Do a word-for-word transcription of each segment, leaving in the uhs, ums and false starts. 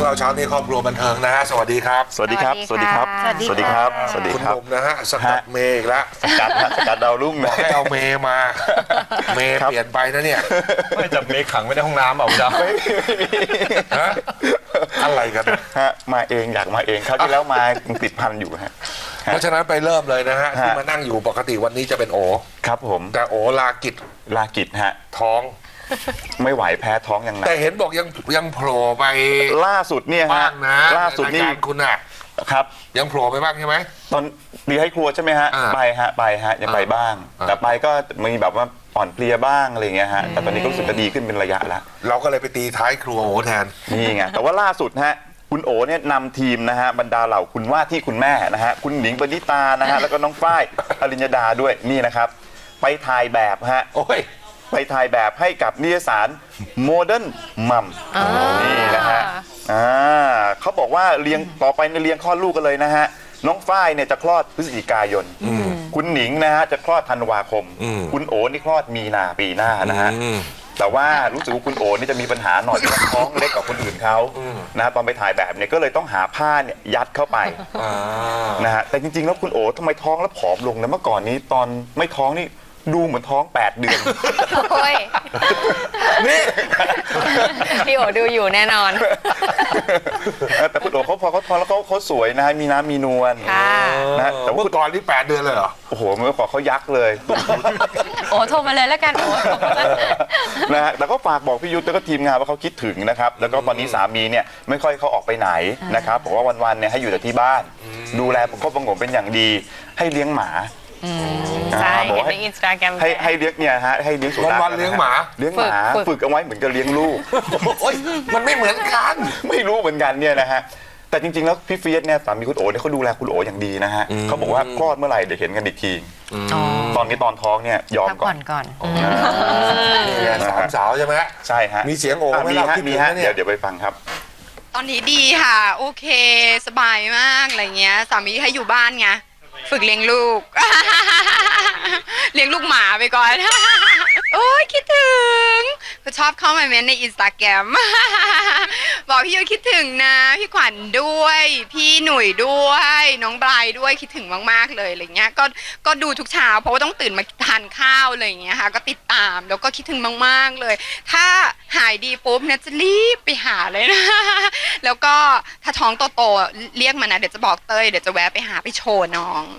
รื่องเราเช้านี้ครอบครัวบันเทิงนะฮะสวัสดีครับสวัสดีครับสวัสดีครับสวัสดีครับสวัสดีคุณหครับนุ่มนะฮะสกัดเมย์อีกแล้วสกัดสกัดดาวรุ่งบอกให้เอาเมย์มาเมย์เปลี่ยนไปนะเนี่ยไม่จับเมย์ขังไว้ในห้องน้ำเอาจ้ะฮะอะไรกันฮะมาเองอยากมาเองเขาที่แล้วมาติดพันอยู่ฮะเพราะฉะนั้นไปเริ่มเลยนะฮะที่มานั่งอยู่ปกติวันนี้จะเป็นโอครับผมแต่โอลากิจลากิจฮะท้องไม่ไหวแพ้ท้องอย่างหนักแต่เห็นบอกยังยังโผล่ไปล่าสุดเนี่ยฮะล่าสุดนี่คุณน่ะครับยังโผล่ไปบ้างใช่ไหมตอนดีให้ครัวใช่ไหมฮะไปฮะไปฮะยังไปบ้างแต่ไปก็มีแบบว่าอ่อนเพลียบ้างอะไรเงี้ยฮะแต่ตอนนี้ก็รู้สึกจะดีขึ้นเป็นระยะแล้วเราก็เลยไปตีท้ายครัวโอแทนนี่ไงแต่ว่าล่าสุดฮะคุณโอเนี่ยนำทีมนะฮะบรรดาเหล่าคุณว่าที่คุณแม่นะฮะคุณหนิงปณิตานะฮะแล้วก็น้องฝ้ายอริญญดาด้วยนี่นะครับไปถ่ายแบบฮะโอ้ยไปถ่ายแบบให้กับนิตยสารโมเดิร์นมัมนี่นะฮะอ่าเขาบอกว่าเลี้ยงต่อไปในเลี้ยงคลอดลูกกันเลยนะฮะน้องฝ้ายเนี่ยจะคลอดพฤศจิกายนคุณหนิงนะฮะจะคลอดธันวาคมคุณโอนี่คลอดมีนาปีหน้านะฮะแต่ว่ารู้สึกว่าคุณโอนี่จะมีปัญหาหน่อยท้องเล็กกว่าคนอื่นเขานะตอนไปถ่ายแบบเนี่ยก็เลยต้องหาผ้าเนี่ยยัดเข้าไปนะฮะแต่จริงๆแล้วคุณโอทำไมท้องแล้วผอมลงนะเมื่อก่อนนี้ตอนไม่ท้องนี่ดูเหมือนท้องแปดเดือนโอ้ยนี่พี่โอดูอยู่แน่นอนแต่คุณโอเขาพอเขาท้องแล้วเขาเขาสวยนะฮะมีน้ำมีนวลนะแต่ว่าก่อนที่แปดเดือนเลยเหรอโอ้โหเมื่อก่อนเขายักษ์เลยโอ้โทรมาเลยแล้วกันโอ้นะฮะแต่ก็ฝากบอกพี่ยุทธแล้วก็ทีมงานว่าเขาคิดถึงนะครับแล้วก็ตอนนี้สามีเนี่ยไม่ค่อยเขาออกไปไหนนะครับบอกว่าวันๆเนี่ยให้อยู่แต่ที่บ้านดูแลประคบประหงมเป็นอย่างดีให้เลี้ยงหมาใช่เห็นในอินสตาแกรมให้ให้เลี้ยงเนี่ยฮะให้เลี้ยงสุนัขวันเลี้ยงหมาเลี้ยงหมาฝึกเอาไว้เหมือนกับเลี้ยงลูกโอ๊ยมันไม่เหมือนกันไม่รู้เหมือนกันเนี่ยนะฮะแต่จริงๆแล้วพี่เฟียสเนี่ยสามีคุณโอเนี่ยเขาดูแลคุณโออย่างดีนะฮะเขาบอกว่าคลอดเมื่อไหร่เดี๋ยวเห็นกันอีกทีตอนนี้ตอนท้องเนี่ยยอมก่อนก่อนสามสาวใช่ไหมใช่ฮะมีเสียงโอมีฮะมีฮะเดี๋ยวเดี๋ยวไปฟังครับตอนนี้ดีค่ะโอเคสบายมากอะไรเงี้ยสามีให้อยู่บ้านไงฝึกเลี้ยงลูกเลี้ยงลูกหมาไปก่อนโอ้ยคิดถึงก็ชอบเข้ามาเม้นในอินสตาแกรมบอกพี่ยุ้ยคิดถึงนะพี่ขวัญด้วยพี่หนุ่ยด้วยน้องบรายด้วยคิดถึงมากๆเลยอะไรเงี้ยก็ก็ดูทุกเช้าเพราะว่าต้องตื่นมาทานข้าวอะไรเงี้ยค่ะก็ติดตามแล้วก็คิดถึงมากๆเลยถ้าหายดีปุ๊บเนี่ยจะรีบไปหาเลยนะแล้วก็ถ้าท้องโตๆเรียกมานะเดี๋ยวจะบอกเต้ยเดี๋ยวจะแวะไปหาไปโชว์น้อง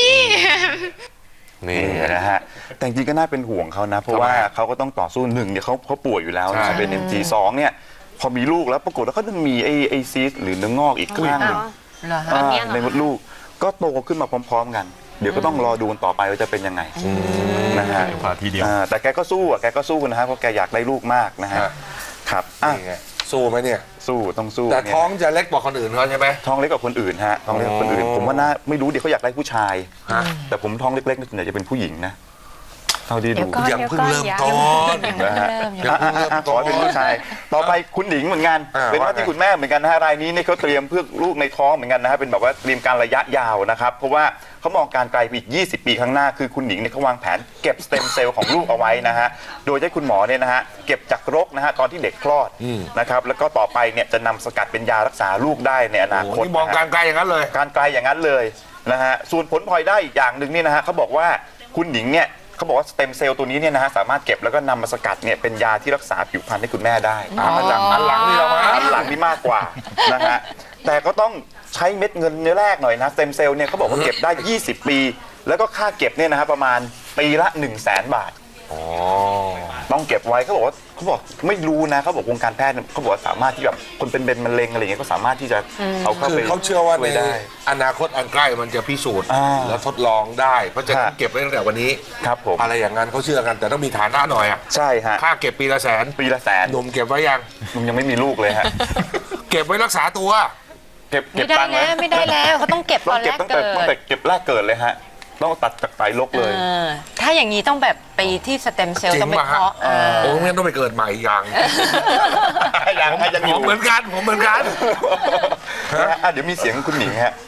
นี่นะฮะแต่จริงก็น่าเป็นห่วงเขานะเพราะว่าเขาก็ต้องต่อสู้หนึ่งเนี่ยเขาเขาป่วยอยู่แล้วนะเป็น เอ็ม จี สองเนี่ยพอมีลูกแล้วปรากฏว่าเขาต้องมีไอ้ไอซีสหรือเนื้องอกอีกข้างหนึ่งในมดลูกก็โตขึ้นมาพร้อมๆกันเดี๋ยวก็ต้องรอดูกันต่อไปว่าจะเป็นยังไงนะฮะแต่แกก็สู้อ่ะแกก็สู้นะฮะเพราะแกอยากได้ลูกมากนะฮะครับสู้ไหมเนี่ยสู้ต้องสู้แต่ท้องจะเล็กกว่าคนอื่นเขาใช่ไหมท้องเล็กกว่าคนอื่นฮะท้องเล็กกว่าคนอื่นผมว่าน่าไม่รู้เดี๋ยวเขาอยากได้ผู้ชายแต่ผมท้องเล็กๆส่วนใหญ่จะเป็นผู้หญิงนะเท่าที่ดูยังเพิ่งเริ่มต้นนะฮะขอเป็นผู้ชายต่อไปคุณหญิงเหมือนกันเป็นว่าที่คุณแม่เหมือนกันนะฮะรายนี้เนี่ยเขาเตรียมเพื่อลูกในท้องเหมือนกันนะฮะเป็นแบบว่าเตรียมการระยะยาวนะครับเพราะว่าเขามองการไกลไปอีกยี่สิบปีข้างหน้าคือคุณหญิงเนี่ยเขาวางแผนเก็บสเต็มเซลล์ของลูกเอาไว้นะฮะโดยให้คุณหมอเนี่ยนะฮะเก็บจากรกนะฮะตอนที่เด็กคลอดนะครับแล้วก็ต่อไปเนี่ยจะนำสกัดเป็นยารักษาลูกได้ในอนาคตมองการไกลอย่างนั้นเลยการไกลอย่างนั้นเลยนะฮะส่วนผลพลอยได้อีกอย่างหนึ่งนี่นะฮะเขาบอกว่าคุณหญิงเนี่ยเขาบอกว่าสเต็มเซลล์ตัวนี้เนี่ยนะฮะสามารถเก็บแล้วก็นำมาสกัดเนี่ยเป็นยาที่รักษาผิวพรรณให้คุณแม่ได้มาจากอันหลังนี่เรามาอันหลังนี่มากกว่านะฮะแต่ก็ต้องใช้เม็ดเงินเนื้อแรกหน่อยนะสเต็มเซลล์เนี่ยเขาบอกว่าเก็บได้ยี่สิบปีแล้วก็ค่าเก็บเนี่ยนะฮะประมาณปีละ หนึ่งแสน บาทต้องเก็บไว้เขาบอกว่าเขาบอกไม่รู้นะเขาบอกวงการแพทย์เขาบอกว่าสามารถที่แบบคนเป็นเป็นมะเร็งอะไรเงี้ยก็สามารถที่จะเอาเข้าไปเขาเชื่อว่าในอนาคตอันใกล้มันจะพิสูจน์แล้วทดลองได้เพราะจะเก็บไว้ตั้งแต่วันนี้ครับผมอะไรอย่างนั้นเขาเชื่อกันแต่ต้องมีฐานะหน่อยอ่ะใช่ฮะค่าเก็บปีละแสนปีละแสนหนุ่มเก็บไว้ยังหนุ่มยังไม่มีลูกเลยฮะเก็บไว้รักษาตัวเก็บไม่ได้แล้วไม่ได้แล้วเขาต้องเก็บตอนแรกเกิดตั้งแต่เก็บแรกเกิดเลยฮะต้องตัดจากไตลกเลยถ้าอย่างนี้ต้องแบบไปที่สเต็มเซลล์ต้องไปเพาะโอ้งั้นต้องไปเกิดใหม่อย่างอย่างให้จะมีผมเหมือนกันผมเหมือนกันเดี๋ยวมีเสียงคุณหนิงฮะ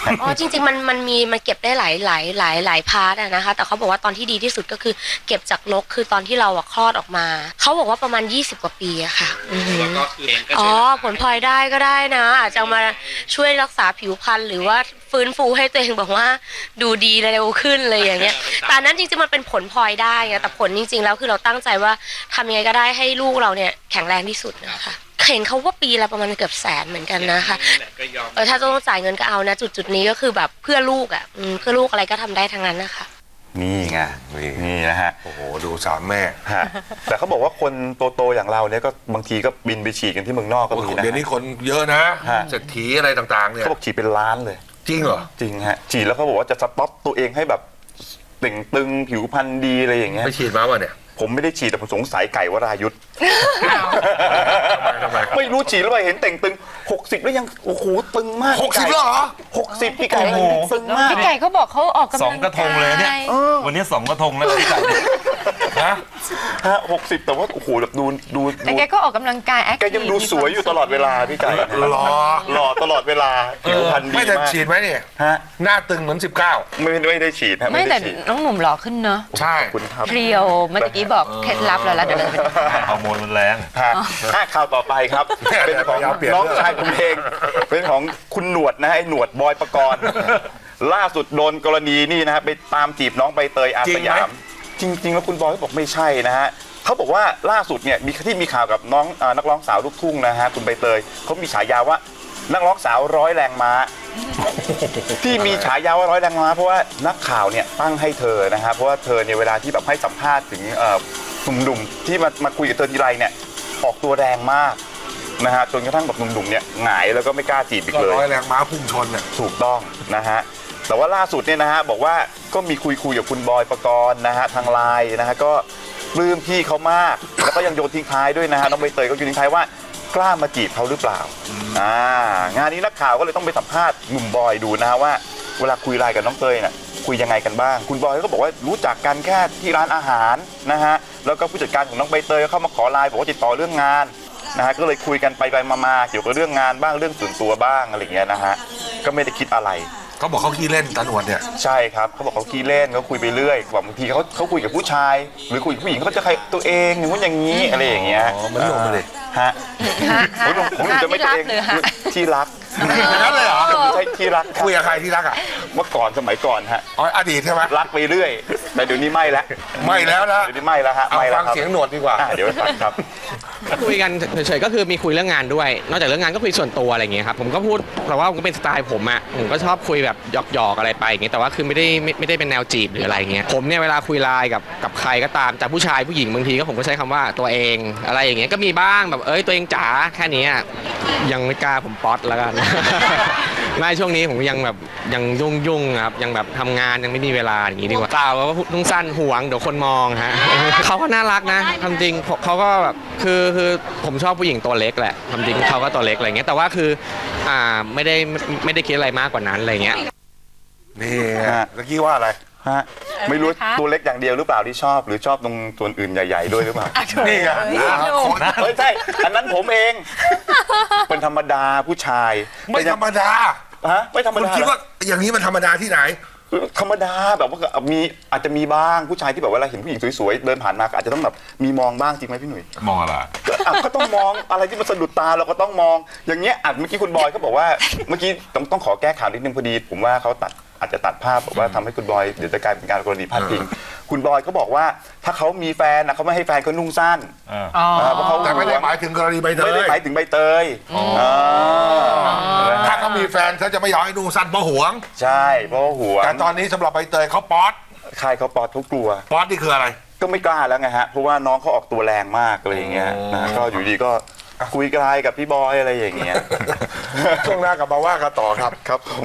อ๋อจริงๆมันมันมีมันเก็บได้หลายหลายหลายหลายพาร์ทอะนะคะแต่เขาบอกว่าตอนที่ดีที่สุดก็คือเก็บจากนกคือตอนที่เราอะคลอดออกมาเขาบอกว่าประมาณยี่สิบกว่าปีอะค่ะอือหืออ๋อผลพลอยได้ก็ได้นะอาจจะมาช่วยรักษาผิวพรรณหรือว่าฟื้นฟูให้ตัวเองแบบว่าดูดีเร็วขึ้นเลยอย่างเงี้ยแต่นั้นจริงๆมันเป็นผลพลอยได้ไงแต่ผลจริงๆแล้วคือเราตั้งใจว่าทำยังไงก็ได้ให้ลูกเราเนี่ยแข็งแรงที่สุดนะคะเห็นเขาว่าปีละประมาณเกือบแสนเหมือนกันนะคะเออถ้าต้องจ่ายเงินก็เอานะจุดจุดนี้ก็คือแบบเพื่อลูกอ่ะเพื่อลูกอะไรก็ทำได้ทั้งนั้นนะคะนี่ไงนี่นี่นะฮะโอ้โหดูสามแม่ฮะแต่เขาบอกว่าคนโตๆอย่างเราเนี่ยก็บางทีก็บินไปฉีดกันที่เมืองนอกก็โอ้มีโหนะเดี๋ยวนี้คนเยอะนะฮะเศรษฐีอะไรต่างๆเนี่ยเขาบอกฉีดเป็นล้านเลยจริงเหรอจริงฮะฉีดแล้วเขาบอกว่าจะสต็อปตัวเองให้แบบเต่งตึงผิวพรรณดีอะไรอย่างเงี้ยไปฉีดมาป่ะเนี่ยผมไม่ได้ฉีดแต่ผมสงสัยไก่วรายุทธ์ทำไมทำไมไม่รู้ฉีดแล้วไปเห็นเต่งตึงหกสิบแล้วยังโอ้โหตึงมากหกสิบแล้วเหรอหกสิบพี่ไก่ตึงมากพี่ไก่เขาบอกเขาออกกำลังสองกระทงเลยเนี่ยเออวันนี้สองกระทงแล้วพี่ไก่นะฮะหกสิบแต่ว่าโอ้โหแบบดูดูแต่ดูแกก็ออกกำลังกายแอคแกยังดูสวยอยู่ตลอดเวลาพี่ไก่หล่อหล่อตลอดเวลาผิวพรรณดีไม่แต่มากฉีดไหมเนี่ยฮะหน้าตึงเหมือนสิบเก้าไม่ไม่ได้ฉีดฮะไม่แต่ด้ฉีดน้องหนุ่มหล่อขึ้นเนอะใช่ขอบคุณครับเพรียวเมื่อกี้บอกเคล็ดลับแล้วแล้วเดี๋ยวเราไปดูฮอร์โมนมันแรงฮะอ่ะข่าวต่อไปครับ เป็นของน้องชายผมเอง เป็นของคุณหนวดนะฮะไอ้หนวดบอยปกรณ์ ล่าสุดโดนกรณีนี่นะฮะไปตามจีบน้องใบเตยอาสยาม จริง ๆ แล้วคุณบอยเขาบอกไม่ใช่นะฮะเขาบอกว่าล่าสุดเนี่ยมีที่มีข่าวกับน้องเอ่อนักร้องสาวลูกทุ่งนะฮะคุณใบเตยเขามีฉายาว่านักร้องสาวร้อยแรงม้า ที่มีฉายาว่าร้อยแรงม้าเพราะว่านักข่าวเนี่ยตั้งให้เธอนะฮะเพราะว่าเธอเนี่ยเวลาที่แบบให้สัมภาษณ์ถึงเอ่อหนุ่มๆที่มามาคุยกับเธอทีไรเนี่ยออกตัวแรงมากนะฮะจนกระทั่งแบบหนุ่มๆเนี่ยหงายแล้วก็ไม่กล้าจีบอีกก็เลยร้อยแรงม้าพุ่งชนน่ะถูกต้องนะฮะแต่ว่าล่าสุดเนี่ยนะฮะบอกว่าก็มีคุยคุยกับคุณบอยปกรณ์นะฮะทางไลน์นะฮะก็ปลื้มพี่เขามากแล้วก็ยังโยนทิ้งท้ายด้วยนะฮะน้องใบเตยก็โยนทิ้งท้ายว่ากล้ามาจีบเขาหรือเปล่าอ่างานนี้นักข่าวก็เลยต้องไปสัมภาษณ์หนุ่มบอยดูนะฮะว่าเวลาคุยไลน์กับน้องเตยน่ะคุยยังไงกันบ้างคุณบอยก็บอกว่ารู้จักกันแค่ที่ร้านอาหารนะฮะแล้วก็ผู้จัดการของน้องใบเตยก็เข้ามาขอไลน์บอกว่าติดต่อเรื่องงานนะฮะก็เลยคุยกันไปไปมาๆเกี่ยวกับเรื่องงานบ้างเรื่องส่วนตัวบ้างอะไรอย่างเงี้ยนะฮะก็ไม่ได้คิดอะไรเขาบอกเขาขี้เล่นตาหนวดเนี่ยใช่ครับเขาบอกเขาขี้เล่นเขาคุยไปเรื่อยบางทีเขาเขาคุยกับผู้ชาย หรือคุยกับผู้หญิงเขาจะใครตัวเองอย่างนู้นอย่างนี้อะไรอย่างเงี้ยอ๋อมันหลงไปเลยฮะฮะผมผมผมจะไม่ตัวเองที่รักหรือฮะที่รักอย่างนั้นเลยเหรอไม่ใช่ที่รักครับคุยกับใครที่รักอ่ะเมื่อก่อนสมัยก่อนฮะอ๋ออดีตใช่ไหมรักไปเรื่อย แต่เดี๋ยวนี้ไม่แล้วไม่แล้วนะเดี๋ยวนี้ไม่แล้วฮะเอาไม่แล้ฟัวงครับเสียงหนวดดีกว่าอ่ะเดี๋ยวไปฟังครับคุยกันเฉยๆก็คือมีคุยเรื่องงานด้วย นอกจากเรื่องงานก็คุยส่วนตัวอะไรอย่างเงี้ยครับผมก็พูดแต่ว่าผมก็เป็นสไตล์ผมอ่ะผมก็ชอบคุยแบบหยอกๆอะไรไปอย่างเงี้ยแต่ว่าคือไม่ได้ไม่ไม่ได้เป็นแนวจีบหรืออะไรเงี้ยผมเนี่ยเวลาคุยไลน์กับกับใครก็ตามจากผู้ชายผู้หญิงบางทีก็ผมก็ใช้คำว่าตัวเองอะไรอย่างเงี้ยก็มีบ้างแบบเอ้ยตัวเองจ๋าแค่นี้อะยังไม่กล้าผมป๊อตแล้วกัน ไม่ช่วงนี้ผมยังแบบยังยุ่งยุ่งๆครับยังแบบทำงานยังไม่มีเวลาอย่างงี้ดีกว่าเปล่าว่าทุ่งสั้นห่วงเดี๋ยวคนมองฮะ เขาก็น่ารักนะทำจริงเขาก็แบบคือคือผมชอบผู้หญิงตัวเล็กแหละทำจริงเขาก็ตัวเล็กอะไรเงี้ยแต่ว่าคืออ่าไม่ได้ไม่ได้คิดอะไรมากกว่านั้นอะไรเงี้ยนี่ฮะตะกี้ว่าอะไรฮะไม่รู้ตัวเล็กอย่างเดียวหรือเปล่าที่ชอบหรือชอบตรงส่วนอื่นใหญ่ ๆ ด้วยหรือเปล่านี่ไงเฮ้ยใช่อันนั้นผมเอง เป็นธรรมดาผู้ชายไม่ธรรมดาฮะไม่ธรรมคุณดาคิดว่าอย่างนี้มันธรรมดาที่ไหนธรรมดาแบบว่ามีอาจจะมีบ้างผู้ชายที่แบบเวลาเห็นผู้หญิงสวยๆเดินผ่านมาก็อาจจะต้องแบบมีมองบ้างจริงไหมพี่หนุ่ยมองอะไรก็อ่ะก็ต้องมองอะไรที่มันสะดุดตาเราก็ต้องมอง อย่างเงี้ยอ่ะเมื่อกี้คุณบอยเขาบอกว่าเมื่อกี้ต้องต้องขอแก้ข่าวนิดนึงพอดี ผมว่าเขาตัดอาจจะตัดภาพบอกว่าทำให้คุณบอยเดี๋ยวจะกลายเป็นการกรณีพาดพิงคุณบอยเขาบอกว่าถ้าเขามีแฟนนะเขาไม่ให้แฟนเขานุ่งสั้นอ่าอ๋อเพราะเขาแต่ไม่ได้หมายถึงกรณีใบเตไม่ได้ยหมายถึงใบเตยาถ้าเขามีแฟนเขาจะไม่ยอมให้ดูสั้นเพราะหวงใช่เพราะว่าหัวแต่ตอนนี้สำหรับใบเตยเขาป๊อตใครเขาปอดเขากลัวป๊อตนี่คืออะไรก็ไม่กล้าแล้วไงฮะเพราะว่าน้องเขาออกตัวแรงมากอะไรอย่างเงี้ยนะก็อยู่ดีก็คุยกลายกับพี่บอยอะไรอย่างเงี้ยช่วงหน้ากลับมาว่ากันต่อครับครับผม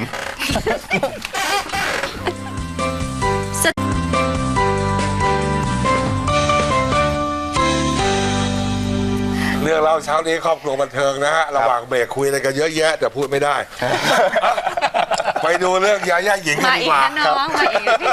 เรื่องเล่าเช้านี้ครอบครัวบันเทิงนะฮะระหว่างเบรกคุยอะไรกันเยอะแยะแต่พูดไม่ได้ไปดูเรื่องยาย่าหญิงกันมาดีอีกกว่านะน้องมาอีกนะพี่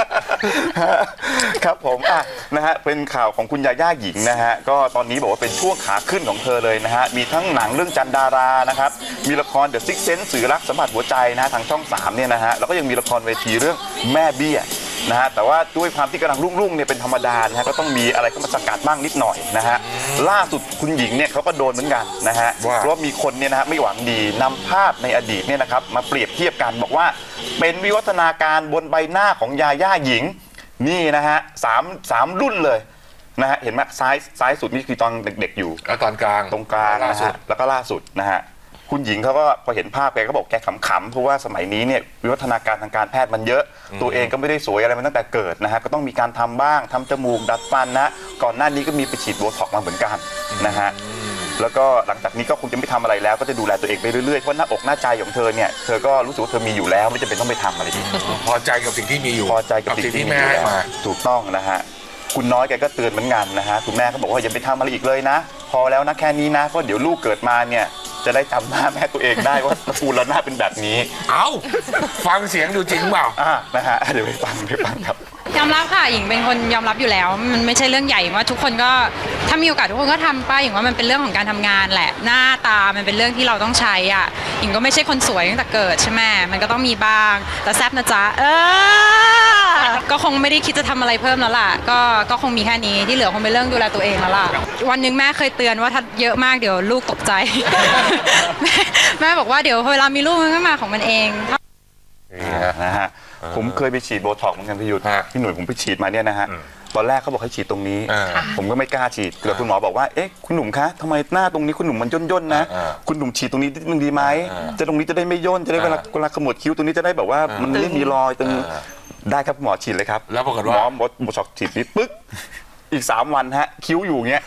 ครับผมอ่ะนะฮะเป็นข่าวของคุณยาย่าหญิงนะฮะก็ตอนนี้บอกว่าเป็นช่วงขาขึ้นของเธอเลยนะฮะมีทั้งหนังเรื่องจันดารานะครับมีละคร The Sixth Sense สื่อรักสัมผัสหัวใจนะฮะทางช่องสามเนี่ยนะฮะแล้วก็ยังมีละครเวทีเรื่องแม่เบี้ยนะฮะแต่ว่าด้วยความที่กำลังรุ่งๆเนี่ยเป็นธรรมดานะฮะก็ต้องมีอะไรเข้ามาสกัดบ้างนิดหน่อยนะฮะล่าสุดคุณหญิงเนี่ยเขาก็โดนเหมือนกันนะฮะว่าเพราะมีคนเนี่ยนะฮะไม่หวังดีนำภาพในอดีตเนี่ยนะครับมาเปรียบเทียบกันบอกว่าเป็นวิวัฒนาการบนใบหน้าของยาย่าหญิงนี่นะฮะสามสามรุ่นเลยนะฮะเห็นไหมซ้ายซ้ายสุดนี่คือตอนเด็กๆอยู่แล้วตอนกลางตรงกลางล่านะสุดฮะแล้วก็ล่าสุดนะฮะคุณหญิงเขาก็พอเห็นภาพแกก็บอกแกขำๆเพราะว่าสมัยนี้เนี่ยวิวัฒนาการทางการแพทย์มันเยอะ ตัวเองก็ไม่ได้สวยอะไรมาตั้งแต่เกิดนะฮะก็ต้องมีการทำบ้างทำจมูกดัดฟันนะก่อนหน้านี้ก็มีไปฉีดโบท็อกซ์มาเหมือนกันนะฮะแล้วก็หลังจากนี้ก็คงจะไม่ทำอะไรแล้วก็จะดูแลตัวเองไปเรื่อยๆเพราะหน้าอกหน้าใจของเธอเนี่ยเธอก็รู้สึกว่าเธอมีอยู่แล้วไม่จำเป็นต้องไปทำอะไรอีกพอใจกับสิ่งที่มีอยู่พอใจกับสิ่สิ่งงที่ที่แม่แม่ให้มาถูกต้องนะฮะคุณน้อยแกก็เตือนเหมือนกันนะฮะคุณแม่ก็บอกว่าอย่าไปทำอะไรอีกเลยนะ พอแล้วนะแค่นี้นะเพราะเดี๋ยวลูกเกิดมาเนี่ยจะได้จำหน้าแม่ตัวเองได้ว่าตระกูลเราหน้าเป็นแบบนี้เอ้าฟังเสียงดูจริงเปล่าอ่านะฮะเดี๋ยวไปฟังไปฟังครับยอมรับค่ะหญิงเป็นคนยอมรับอยู่แล้ว มันไม่ใช่เรื่องใหญ่ว่าทุกคนก็ถ้ามีโอกาสทุกคนก็ทำป้าหญิงว่ามันเป็นเรื่องของการทำงานแหละหน้าตามันเป็นเรื่องที่เราต้องใช้อ่ะหญิงก็ไม่ใช่คนสวยตั้งแต่เกิดใช่ไหมมันก็ต้องมีบ้างแต่แซ่บนะจ๊ะเออก็คงไม่ได้คิดจะทำอะไรเพิ่มแล้วล่ะก็ก็คงมีแค่นี้ที่เหลือคงเป็นเรื่องดูแลตัวเองแล้วล่ะวันหนึงแม่เคยเตือนว่าถ้าเยอะมากเดี๋ยวลูกตกใจ แม่แม่บอกว่าเดี๋ยวเวลามีลูกมันก็มาของมันเองนะฮะผมเคยไปฉีดโบท็อกซ์เหมือนกันพี่ยุทธฮะพี่หนุ่ยผมไปฉีดมาเนี่ยนะฮะตอนแรกเขาบอกให้ฉีดตรงนี้อ่าผมก็ไม่กล้าฉีดแต่คุณหมอบอกว่าเอ๊ะคุณหนุ่มคะทำไมหน้าตรงนี้คุณหนุ่มมันย่นๆนะอ่าคุณหนุ่มฉีดตรงนี้นิดนึงดีไหมอ่าจะตรงนี้จะได้ไม่ย่นจะได้เวลาอ่าเวลาขมวดคิ้วตรงนี้จะได้แบบว่ามันไม่มีรอยตรงอ่าได้ครับคุณหมอฉีดเลยครับแล้วปรากฏว่าหมอหมอโบท็อกซ์ฉีดนิดปึ๊กอีกสามวันฮะคิ้วอยู่อย่างเงี้ย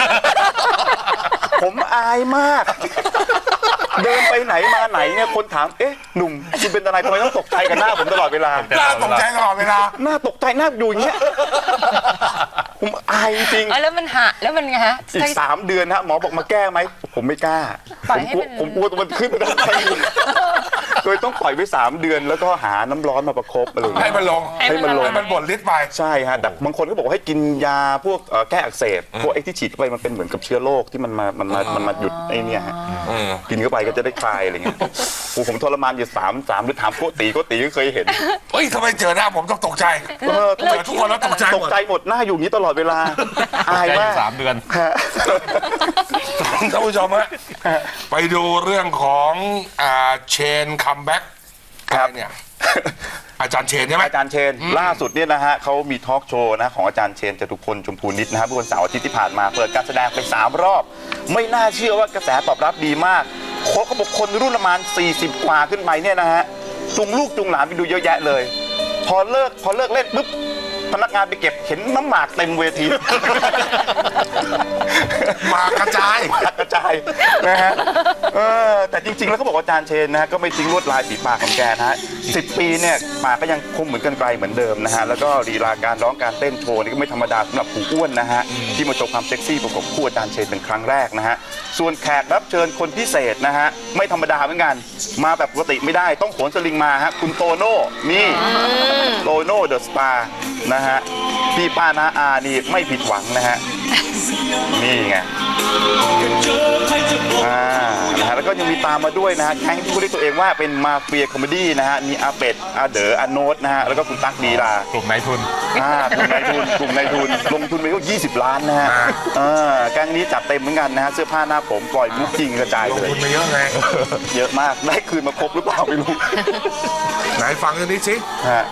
ผมอายมาก เดินไปไหนมาไหนเนี่ยคนถามเอ๊ะหนุ่มคุณเป็นอะไรทำไมต้องตกใจกับหน้าผมตลอดเวลาน่าตกใจตลอดเวลาหน้าตกใจหน้าอยู่อย่างเงี้ย ผมอายจริงเออแล้วมันหะแล้วมันไงฮะอีกสามเดือนฮะหมอบอกมาแก้ไหมผมไม่กล้าปล่ผอยมให้กลัวเป็นผมกลัวตัวมันขึ้นไปด้านในโดยต้องปล่อยไว้สามเดือนแล้วก็หาน้ำร้อนมาประคบอะไรอย่างให้เงี้ยมันลงให้มันลงให้มันบ่นฤทธิ์ไปใช่ฮะแต่บางคนก็บอกว่าให้กินยาพวกเอ่อแก้อักเสบพวกไอ้ที่ฉีดเข้าไปมันเป็นเหมือนกับเชื้อโรคที่มันมามันมามันมาหยุดไอ้เนี่ยฮะอืมกินเข้าไปก็จะได้คลายอะไรเงี้ยโอ้ผมทรมานอยู่สามสามหรือถามโกตีโกตีก็เคยเห็นเฮ้ยทำไมเจอหน้าผมต้องตกใจเออเจอทุกคนแล้วตกใจหตมกดใจหมดหน้าอยู่อย่างนี้ตลอดเวลาอายมากสามเดือนฮะท่านผู้ชมฮะไปดูเรื่องของอ่าเชนคัมแบ็กครับเนี่ยอาจารย์เชนใช่ไหมอาจารย์เชนล่าสุดเนี่ยนะฮะเขามีทอล์กโชว์นะของอาจารย์เชนจตุพลชมพูนิตนะฮะเมื่อวันเสาร์อาทิตย์ที่ผ่านมาเปิดการแสดงไปสามรอบ ไม่น่าเชื่อว่ากระแสตอบรับดีมากคนเขาบอกคนรุ่นประมาณสี่สิบกว่าขึ้นไปเนี่ยนะฮะจุงลูกจุงหลานไปดูเยอะแยะเลย พอเลิกพอเลิกเล่นปุ๊บพนักงานไปเก็บเห็นน้ำหมากเต็มเวทีหมากกระจายหมากกระจายนะฮะเออแต่จริงๆแล้วเขาบอกว่าอาจารย์เชนนะฮะก็ไม่ทิ้งลวดลายฝีปากของแกนะฮะสิบปีเนี่ยปากก็ยังคงเหมือนกันไกลเหมือนเดิมนะฮะแล้วก็ลีลาการร้องการเต้นโชว์นี่ก็ไม่ธรรมดาสำหรับผู้อ้วนนะฮะที่มาโชว์ความเซ็กซี่ประกบคู่อาจารย์เชนเป็นครั้งแรกนะฮะส่วนแขกรับเชิญคนพิเศษนะฮะไม่ธรรมดาเหมือนกันมาแบบปกติไม่ได้ต้องโขนสลิงมาฮะคุณโตโน่นี่โตโน่เดอะสตาร์นะฮะพี่ป้านาอานี่ไม่ผิดหวังนะฮะนี่ไงอ่านะฮะแล้วก็ยังมีตามมาด้วยนะฮะแก๊งที่เขาเรียกตัวเองว่าเป็นมาเฟียคอมเมดี้นะฮะมีอาเป็ดอาเด๋ออาโนตนะฮะแล้วก็คุณตั๊กดีลากลุ่มนายทุนอ่ากลุ่มนายทุนกลุ่มนายทุนลงทุนไปก็ยี่สิบล้านนะฮะอ่าแก๊งนี้จัดเต็มเหมือนกันนะฮะเสื้อผ้าหน้าผมปล่อยมุกจริงกระจายลงเลยทุนมาเยอะไงเยอะมากได้คืนมาครบหรือเปล่าไม่รู้ไหนฟังกันนิดสิฮะ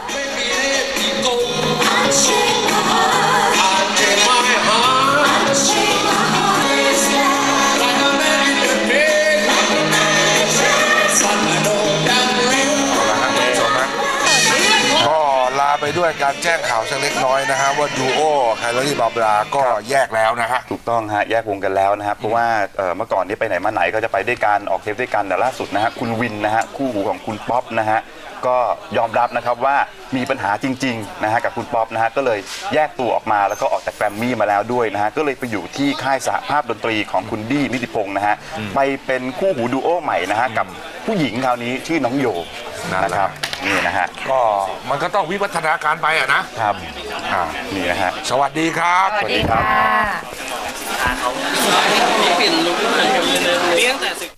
ก็ลาไปด้วยการแจ้งข่าวสักเล็กน้อยนะฮะว่าดูโอไคลอรี่บาบราก็แยกแล้วนะฮะถูกต้องฮะแยกวงกันแล้วนะครับเพราะว่าเอ่อเมื่อก่อนนี้ไปไหนมาไหนก็จะไปด้วยกันออกเทปด้วยกันแต่ล่าสุดนะฮะคุณวินนะฮะคู่หูของคุณป๊อปนะฮะก็ยอมรับนะครับว่ามีปัญหาจริงๆนะฮะกับคุณป๊อปนะฮะก็เลยแยกตัวออกมาแล้วก็ออกจากแกรมมี่มาแล้วด้วยนะฮะก็เลยไปอยู่ที่ค่ายสหภาพดนตรีของคุณดี้นิติพงศ์นะฮะไปเป็นคู่หูดูโอใหม่นะฮะกับผู้หญิงคราวนี้ชื่อน้องโยนะครับนี่นะฮะก็มันก็ต้องวิวัฒนาการไปอะนะครับ อ่านี่นะฮะสวัสดีครับสวัสดีค่ะเปลี่ยนลุคใหม่เลี้ยงแต่